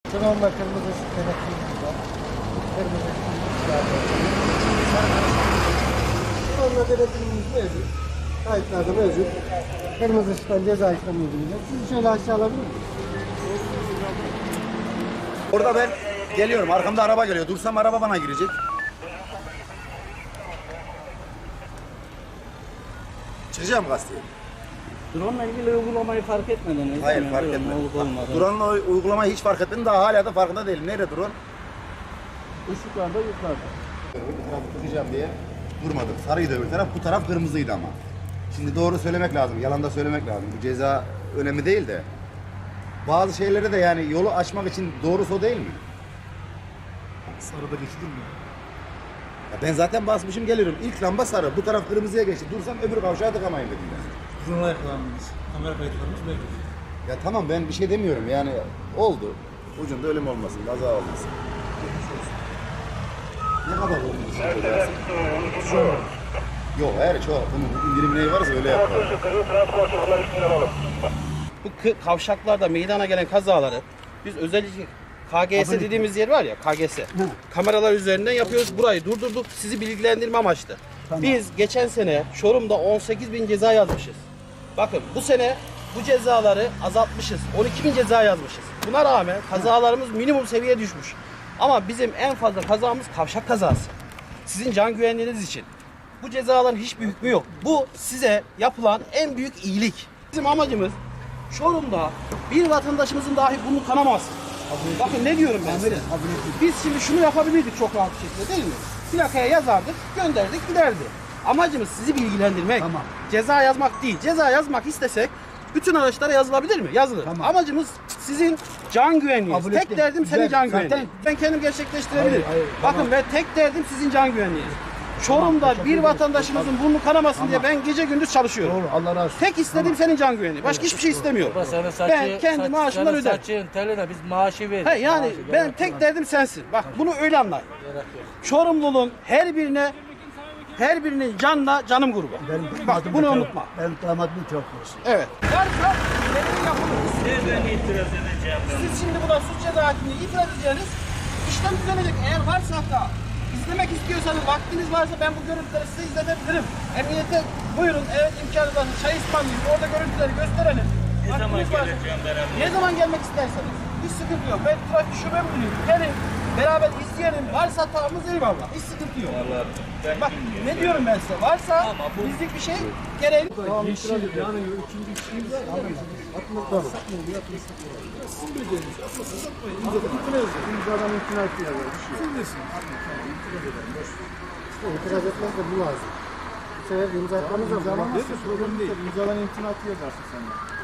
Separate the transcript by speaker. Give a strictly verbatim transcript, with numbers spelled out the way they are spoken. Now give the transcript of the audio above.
Speaker 1: Şu anda kırmızı ışık denetçimiz var. Kırmızı ışık Şu anda denetimimiz mevcut. Kayıtlarda mevcut. Kırmızı ışıktan ceza işlemi uygulayacak. Sizi şöyle aşağı alabilir miyim?
Speaker 2: Orada ben geliyorum. Arkamda araba geliyor. Dursam araba bana girecek. Çıkacağım gazeteye.
Speaker 3: Drone'la ilgili uygulamayı fark etmediniz.
Speaker 2: Hayır
Speaker 3: mi?
Speaker 2: fark
Speaker 3: Drone
Speaker 2: etmedim.
Speaker 3: olup olmadı.
Speaker 2: Drone'la uygulamayı hiç fark etmedim. Daha hala da farkında değilim. Nerede drone?
Speaker 3: Işıklarda yukarıda.
Speaker 2: Bir tarafı tutacağım diye durmadım. Sarıydı öbür taraf. Bu taraf kırmızıydı ama. Şimdi doğru söylemek lazım. Yalan da söylemek lazım. Bu ceza önemli değil de. Bazı şeyleri de yani yolu açmak için doğrusu o değil mi?
Speaker 1: Sarıda geçilir mi?
Speaker 2: Ya ben zaten basmışım gelirim. İlk lamba sarı. Bu taraf kırmızıya geçti. Dursam öbür kavşağa tıkamayın dedim ben.
Speaker 1: Drone'la yakalandınız. Kamera kayıtlarımız mevcut.
Speaker 2: Ya tamam ben bir şey demiyorum yani oldu. Ucunda ölüm olmasın, kaza olmasın. Ne kadar oldu? Yok hayır çok. Bunun indirim neyi varsa öyle yapar.
Speaker 3: Bu kı- kavşaklarda meydana gelen kazaları biz özellikle K G S dediğimiz yer var ya, K G S. Kameralar üzerinden yapıyoruz. Burayı durdurduk. Sizi bilgilendirme amaçlı. Biz geçen sene Çorum'da on sekiz bin ceza yazmışız. Bakın bu sene bu cezaları azaltmışız. on iki bin ceza yazmışız. Buna rağmen kazalarımız minimum seviyeye düşmüş. Ama bizim en fazla kazamız kavşak kazası. Sizin can güvenliğiniz için. Bu cezaların hiçbir hükmü yok. Bu size yapılan en büyük iyilik. Bizim amacımız Çorum'da bir vatandaşımızın dahi bunu kanamasın. Bakın ne diyorum ben size. Biz şimdi şunu yapabilirdik çok rahat bir şekilde değil mi? Plakaya yazardık, gönderdik giderdi. Amacımız sizi bilgilendirmek.
Speaker 1: Tamam.
Speaker 3: Ceza yazmak değil. Ceza yazmak istesek bütün araçlara yazılabilir mi? Yazılır.
Speaker 1: Tamam.
Speaker 3: Amacımız sizin can güvenliğiniz.
Speaker 1: Kabul
Speaker 3: Tek
Speaker 1: ettim.
Speaker 3: derdim senin
Speaker 1: Güzel.
Speaker 3: can
Speaker 1: Zaten-
Speaker 3: güvenliğin. Ben kendim gerçekleştirebilirim.
Speaker 1: Hayır, hayır,
Speaker 3: Bakın
Speaker 1: tamam.
Speaker 3: ve tek derdim sizin can güvenliğiniz. Çorum'da
Speaker 1: teşekkür
Speaker 3: bir
Speaker 1: ederim.
Speaker 3: vatandaşımızın burnu kanamasın diye ben gece gündüz çalışıyorum.
Speaker 1: Doğru, Allah razı olsun.
Speaker 3: Tek istediğim senin can güvenliği. Başka hiçbir şey istemiyorum.
Speaker 4: Baba senin saçı,
Speaker 3: Ben kendi
Speaker 4: saç-
Speaker 3: maaşımdan
Speaker 4: senin
Speaker 3: öderim.
Speaker 4: saçın teline biz maaşı veririz.
Speaker 3: He yani
Speaker 4: Maaşı
Speaker 3: ben
Speaker 4: gerek
Speaker 3: tek
Speaker 4: yok.
Speaker 3: derdim sensin. Bak bunu öyle anlayın.
Speaker 4: Gerek yok.
Speaker 3: Çorumluluğun her birine her birinin canla canım grubu. Bak bunu unutma.
Speaker 1: Ben damadım çok olsun.
Speaker 3: Evet. Varsa benim yapılır.
Speaker 4: Ben itiraz edeceğim.
Speaker 3: Siz şimdi buna suç ceza hakimliği itiraz edeceğiniz işlem düzenecek. Eğer varsa hatta izlemek istiyorsanız vaktiniz varsa ben bu görüntüleri size izletebilirim. Emniyete buyurun evet imkanı var. Çay ısmarlayayım orada görüntüleri gösterelim.
Speaker 4: Ne zaman
Speaker 3: Vaktiniz varsa-
Speaker 4: geleceğim beraber?
Speaker 3: Ne zaman gelmek isterseniz. Hiç sıkıntı yok. Ben trafik şube müdürüyüm. Gelin beraber izleyelim. Varsa hatamız eyvallah. Hiç sıkıntı yok. Bak ne diyorum ben size. Varsa bizlik bir şey gereği. Tamam, itiraz ediyorum. Yani üçüncü kişiyiz. Sizin bileceğiniz. Aslında siz yapmayın. İmzadan imtina ettiler. Siz bilirsin. İtiraz etmez de bu lazım. Bu sefer imza etmemiz lazım. Problem değil. İmzadan imtina yazarsın sen de.